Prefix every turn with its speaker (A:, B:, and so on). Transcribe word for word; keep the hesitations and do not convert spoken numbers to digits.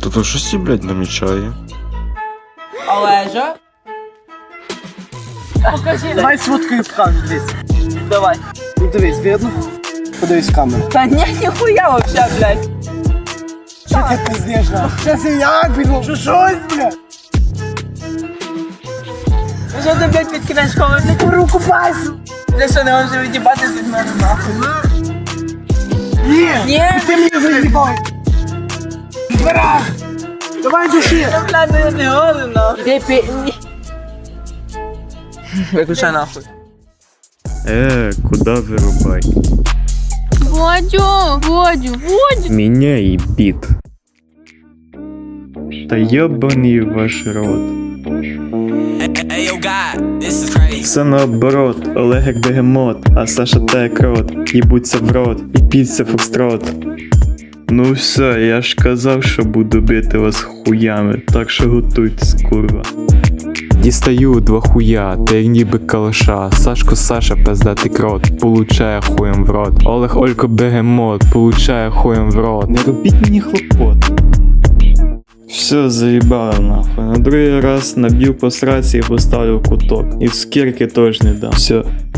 A: Та то щось, блядь, намічає.
B: Олежа? Покажи.
C: Давай сфоткаю в камеру, дивись.
B: Давай.
C: Ну дивись, видно? Подивись в камеру.
B: Та ні, ніхуя вообще, блядь.
C: Що ти пиздиш, нахуй? Щас я як піду? Що щось, блядь?
B: Ну що ти, блядь, підкидаєш коли ти руку пальцю? Бля, що не можеш від'їбатися від мене, нахуй?
C: Ні!
B: Ні.
C: Ти мені заїбав! Збирай! Давай душі!
B: Я, блядь, ну я не годен, нахуй. Ти пі... ні. Виключай нахуй.
A: Е, куда вирубай?
D: Водю, Водю, Водю.
A: Міняй біт. Та йобаний ваш рот. Все наоборот, Олег як бегемот, а Саша та як рот. Їбуться в рот, і піться фокстрот. Ну все, я ж казав, що буду бити вас хуями, так що готуйтесь, курва. Дістаю два хуя, та як ніби калаша. Сашко Саша, пиздатий крот, получає хуєм в рот. Олег Олько бегемот, получає хуєм в рот. Не робіть мені хлопот. Все, заїбало нахуй. На другий раз наб'ю по сраці і поставлю в куток. І в скірки теж не дам. Все.